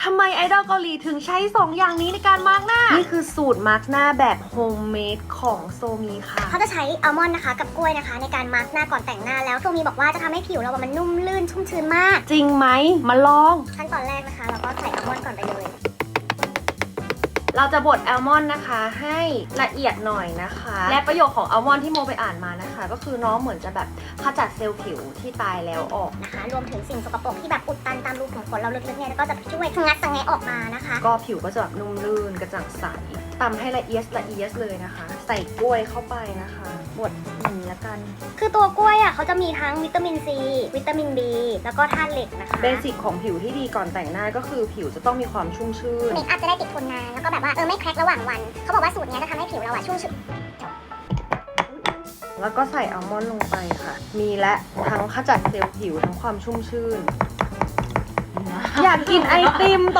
ทำไมไอดอลเกาหลีถึงใช้ 2 อย่างนี้ในการมาร์กหน้า นี่คือสูตรมาร์กหน้าแบบโฮมเมดของโซมีค่ะเขาจะใช้อัลมอนด์นะคะกับกล้วยนะคะในการมาร์กหน้าก่อนแต่งหน้าแล้วโซมีบอกว่าจะทำให้ผิวเรามันนุ่มลื่นชุ่มชื้นมากจริงไหมมาลองขั้นตอนแรกนะคะเราก็ใส่อัลมอนด์ก่อนไปเลยเราจะบดอัลมอนด์นะคะให้ละเอียดหน่อยนะคะ และประโยชน์ของอัลมอนด์ที่โมไปอ่านมานะคะ ก็คือน้องเหมือนจะแบบขจัดเซลล์ผิวที่ตายแล้วออกนะคะรวมถึงสิ่งสกปรกที่แบบอุดตันตามรูขุมขนเราลึกๆเนี่ยก็จะช่วยงัดสังแงะออกมานะคะก็ผิวก็จะแบบนุ่มลื่นกระจ่างใสตำให้ละเอียดเลยนะคะ ใส่กล้วยเข้าไปนะคะบดอย่างนี้ละกันคือตัวกล้วยอ่ะเขาจะมีทั้งวิตามินซีวิตามิน B แล้วก็ธาตุเหล็กนะคะเบสิกของผิวที่ดีก่อนแต่งหน้าก็คือผิวจะต้องมีความชุ่มชื่นเมคอัพจะได้ติดทนนานแล้วก็แบบว่าไม่แคร็กระหว่างวันเขาบอกว่าสูตรนี้จะทำให้ผิวเราชุ่มชื้นแล้วก็ใส่อัลมอนด์ลงไปค่ะ มีและทั้งขจัดเซลล์ผิวทั้งความชุ่มชื่น อยากกินไอติม